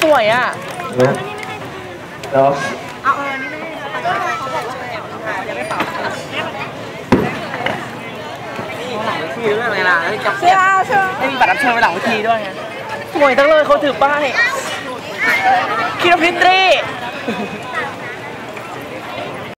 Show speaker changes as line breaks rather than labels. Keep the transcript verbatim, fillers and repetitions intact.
วยอ่ะ
แล้ว
เอาเออนี่ไม่เขาบอกว่ายังไม่เป่าหลังเวทีด้วยไหมล่ะจับเสื้อเสื้อไม่มีบัตรรับเชิญไปหลังเวทีด้วยไง
สวยจังเลยเขาถือป้ายคิดว่าพิตรี